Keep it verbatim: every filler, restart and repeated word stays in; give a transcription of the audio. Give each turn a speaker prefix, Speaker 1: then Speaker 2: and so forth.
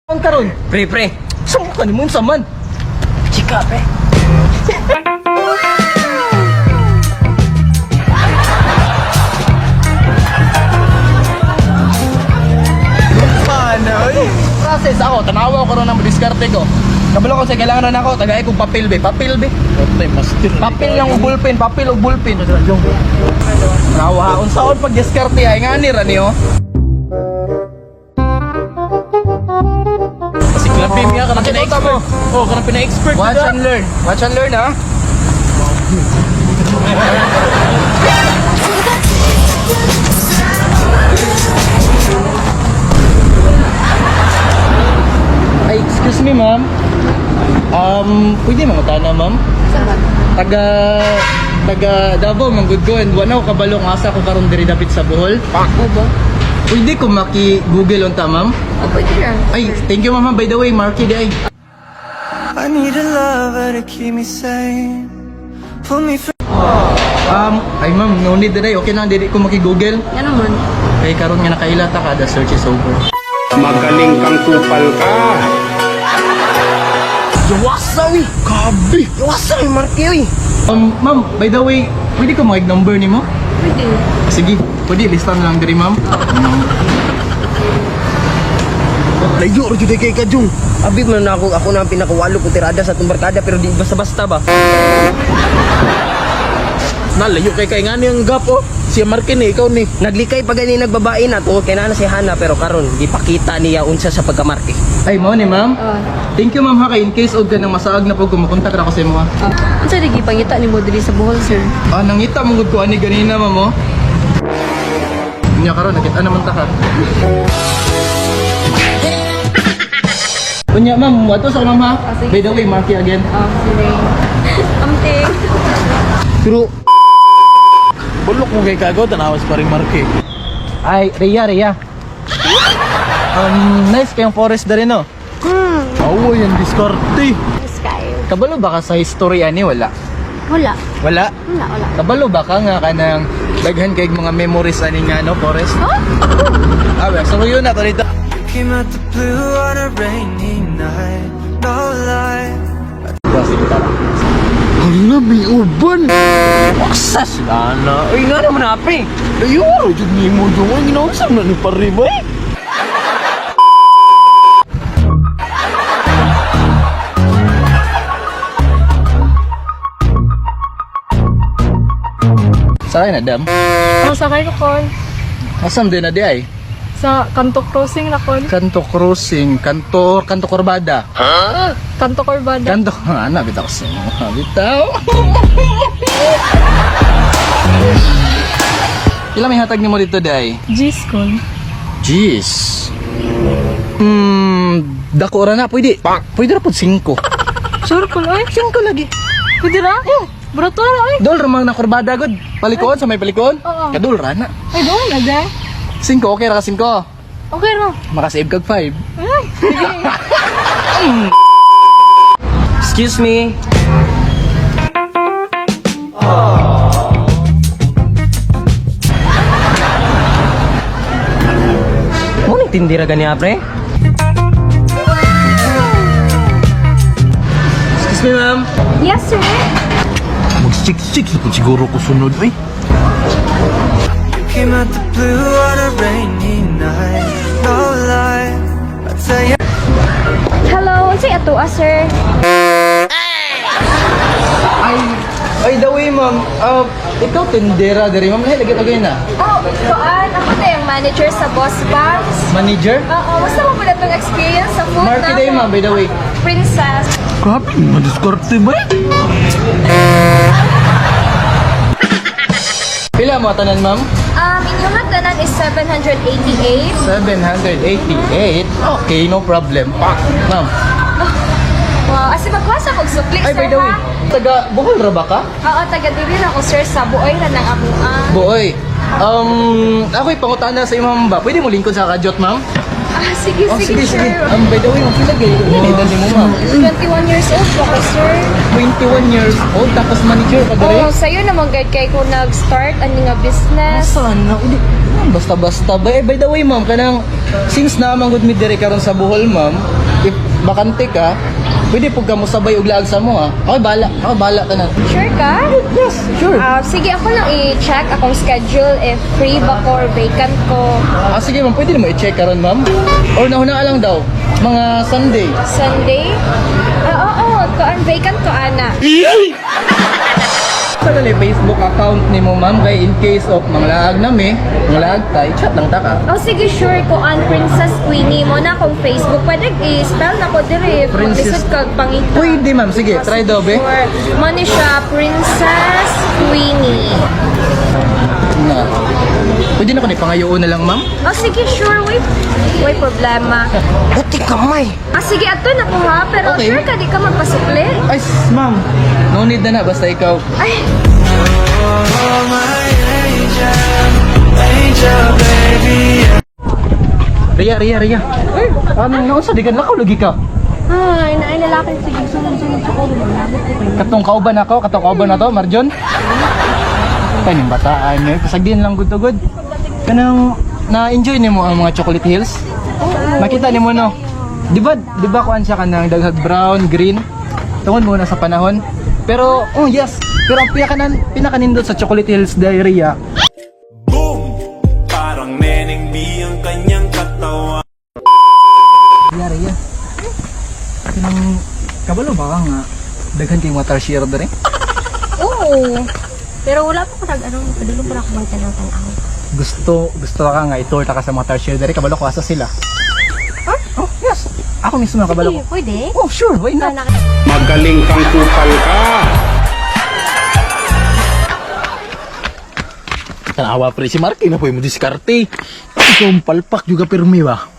Speaker 1: Ang karon, pre pre. Saan ka ni mo saman? Chika, pre. Paano? Process ako, tanawa ko ron ang diskarte ko. Kabalo ko sa kailangan na ako, tagay kong papel be, papel be. Papel yung bulpen, papel o bulpen. Tanawa, unsaon pag diskarte ay ngani ra niyo.
Speaker 2: Labim nga, kanang pina-expert. Oh, kanang pina-expert.
Speaker 1: Watch and learn. Watch and learn, ha? Ay, excuse me, ma'am. Um, pwede mga tana, ma'am? Taga... Taga Davao, manggod ko. And wanaw, kabalong asa ko karon diri dapit sa Bohol.
Speaker 3: Obo?
Speaker 1: Pwede ko maki-google unta, ma'am?
Speaker 3: O, pwede lang.
Speaker 1: Ay, thank you, ma'am. By the way, Marky, di ay.
Speaker 4: I need a lover to keep me sane. Pull me through.
Speaker 1: Um, ay ma'am, no need today. Okay lang, dili ko maki-google.
Speaker 3: Yan naman.
Speaker 1: Kay karon nga nakailata ka, the search is over.
Speaker 2: Magaling kang kupal ka.
Speaker 1: Yawasawi!
Speaker 2: Kabi.
Speaker 1: Yawasawi, Marky, oy! Um, ma'am, by the way, pwede ko mag-number ni mo?
Speaker 3: Pwede.
Speaker 1: Sige, pwede, listan lang diri, ma'am.
Speaker 2: Layo, rin kay Kajong.
Speaker 5: Abi man na ako, ako na ang pinakawalo ko tirada sa itong barkada pero di basta-basta ba?
Speaker 2: Nalayo kay kay nga niyang gap, oh. Si Markin eh, ikaw ni.
Speaker 5: Naglikay pa gani nagbabae na tungod kay nana si Hana pero karon di pakita niya unsa sa pagkamarke.
Speaker 1: Ay, mo ni ma'am.
Speaker 3: Ah.
Speaker 1: Thank you, ma'am, ha, kay in case og ka nang masaag na pag kumukontak ra ko sa imo, ha.
Speaker 3: Ah. Ang sa lagi pangita ni mo diri sa Bohol, sir.
Speaker 1: Ah, nangita mo gud ko ani ganina, ma'am, oh. Nya karon nakita naman ta ka. Kunya, ma'am, wato sa ma'am, ha.
Speaker 3: Ah, sige.
Speaker 1: By the way, Marky again.
Speaker 3: Ah, sige. Amting.
Speaker 2: Pero bulok mo kay Kago, tanawas pa rin Marke.
Speaker 1: Ay, Rhea, Rhea. Um, nice kayong forest na rin, no?
Speaker 2: Awo yan, diskarte.
Speaker 3: Sky.
Speaker 1: Kabalo ba ka sa history ani? Wala.
Speaker 3: Wala.
Speaker 1: Wala?
Speaker 3: Wala, wala.
Speaker 1: Kabalo ba ka nga ka ng daghan kay mga memories ani nga, no, forest?
Speaker 3: Huh?
Speaker 1: Ah, well, so yun na to dito.
Speaker 4: Came out the blue on a rainy night. No lie.
Speaker 1: Sige, tara.
Speaker 2: Hala, may uban.
Speaker 1: Waksas! Lana. Uy, nga naman api.
Speaker 2: Layo, rin ni mo yung ang ginausap na ni Paribay.
Speaker 1: Sakay na, dam.
Speaker 6: Oh, sakay ko kon.
Speaker 1: Asam din na di ay.
Speaker 6: Sa Kanto Crossing na kon.
Speaker 1: Kanto Crossing, Kanto, Kanto Corbada.
Speaker 6: Kanto Corbada.
Speaker 1: Kanto, ah, nabitaw ko sa inyo. Nabitaw. Kila may hatag ni mo dito, day?
Speaker 6: G's kon.
Speaker 1: Jeez. Hmm, dako ra na, pwede. Pwede ra po singko.
Speaker 6: Sure kon ay.
Speaker 1: Singko lagi.
Speaker 6: Pwede ra? Oh, brato ra ay.
Speaker 1: Dol ramang na kurbada god. Palikoon sa may palikoon.
Speaker 6: Oo.
Speaker 1: Kadol ra na.
Speaker 6: Ay, doon na day.
Speaker 1: Singko, okay ra ka singko.
Speaker 6: Okay ra.
Speaker 1: Makasave kag five.
Speaker 6: Ay, sige.
Speaker 5: Excuse me. Mo ni tindira gani apre?
Speaker 1: Excuse me, ma'am.
Speaker 3: Yes, sir.
Speaker 2: Mag-sik-sik sa siguro ko sunod, eh.
Speaker 4: Came out the blue on a rainy night. No lie. I tell you.
Speaker 3: Hello, unsay ato, ah, sir?
Speaker 1: Ay, by the way, ma'am, uh, ikaw tindera diri, ma'am. Lahi, lagi-lagay na.
Speaker 3: Oh, kuan, ako na yung manager sa Boss Banks.
Speaker 1: Manager?
Speaker 3: Oo, musta mo pala itong experience sa food
Speaker 1: Marky day, ma'am, by the way.
Speaker 3: Princess.
Speaker 2: Grabe, madiskarte ba, eh?
Speaker 1: Pila mo tanan, ma'am?
Speaker 3: Um, inyong hagdanan is seven hundred eighty-eight.
Speaker 1: seven hundred eighty-eight. Okay, no problem. Ma'am.
Speaker 3: Wow, asi magwasa kog sukli,
Speaker 1: Ay,
Speaker 3: sir,
Speaker 1: by the way,
Speaker 3: ha?
Speaker 1: taga Bohol ra ba ka?
Speaker 3: Oo, taga diri na ako, sir, sa buoy na ng amuan.
Speaker 1: Boy. Um, ako'y pangutana sa imong ba? Pwede mo lingkod sa kajot, ma'am?
Speaker 3: Ah, sige,
Speaker 1: Oh,
Speaker 3: sige,
Speaker 1: sige,
Speaker 3: sir.
Speaker 1: sige. Um, by the way, ma'am, pila kayo edad ni mo, ma'am?
Speaker 3: twenty-one years old po ko, sir.
Speaker 1: twenty-one years old, tapos manager ka dere?
Speaker 3: Oh, sa'yo naman guide kay ko nag-start ani nga business.
Speaker 1: Saan na? Hindi. Basta-basta ba? Eh, by the way, ma'am, kanang, since na manggod mi dere karon sa Bohol, ma'am, if bakante ka, pwede po ka mo sabay og laag sa mo ha. Ako bala, ako bala tanan.
Speaker 3: Sure ka?
Speaker 1: Yes, sure.
Speaker 3: Ah, sige, ako lang i-check akong schedule if free ba ko or vacant ko.
Speaker 1: Ah, sige ma'am, pwede mo i-check karon ma'am. Or nahuna lang daw, mga Sunday.
Speaker 3: Sunday? Ah, oo, ko ang vacant ko, ana.
Speaker 1: Sa gali Facebook account ni mo ma'am, kay in case of mga laag na me, mga laag ta, i-chat lang ta ka.
Speaker 3: Oh, sige, sure ko ang Princess Queenie mo na akong Facebook. Pwede i-spell na ko dire.
Speaker 1: Princess-
Speaker 3: Lisod ka pangita.
Speaker 1: Pwede ma'am, sige, try daw be.
Speaker 3: Sure. Money siya, Princess Queenie.
Speaker 1: Na. Pwede na ko ni pangayoon na lang ma'am.
Speaker 3: Oh, sige, sure. Wait. Wait, problema.
Speaker 5: Buti kamay.
Speaker 3: Ah, sige, ato na ko ha. Pero
Speaker 1: Okay.
Speaker 3: sure ka, di ka magpasukli?
Speaker 1: Ay, s- ma'am, no need na na, basta ikaw.
Speaker 3: Ay,
Speaker 4: Oh, my angel, angel, baby.
Speaker 1: Ria, Ria, Ria. Ay, ano nga sa digan lakaw lagi ka.
Speaker 6: Ay, naay lalaki. Sige, sunod-sunod sa kulo.
Speaker 1: Katong kauban ako, katong kauban na to, Marjon. Kaning bataan niyo, kasagdian lang good to good. Kanang na-enjoy nimo ang mga chocolate hills? Makita nimo no. Di ba, di ba kuan siya kanang daghag brown, green? Tungod muna sa panahon. Pero, oh yes, pero ang pinakanan, pinakanindot sa Chocolate Hills Diarrhea,
Speaker 7: Boom! Parang Neneng B ang kanyang katawan.
Speaker 1: Diarrhea. Kanang, kabalo ba ka nga, daghan kay water share dere?
Speaker 3: oo. Pero wala pa ko nag, ano, padulong pa ako bang tanaw-tanaw.
Speaker 1: Gusto, gusto ka nga, itur ta ka sa water share dere, kabalo ko asa sila. Huh? Oh, yes. Ako mismo ang kabalo ko.
Speaker 3: Pwede?
Speaker 1: Oh, sure, why not?
Speaker 7: Magaling kang kupal ka!
Speaker 2: Tanawa pre si Marky na po yung diskarte. Ikaw ang palpak juga pirmi ba?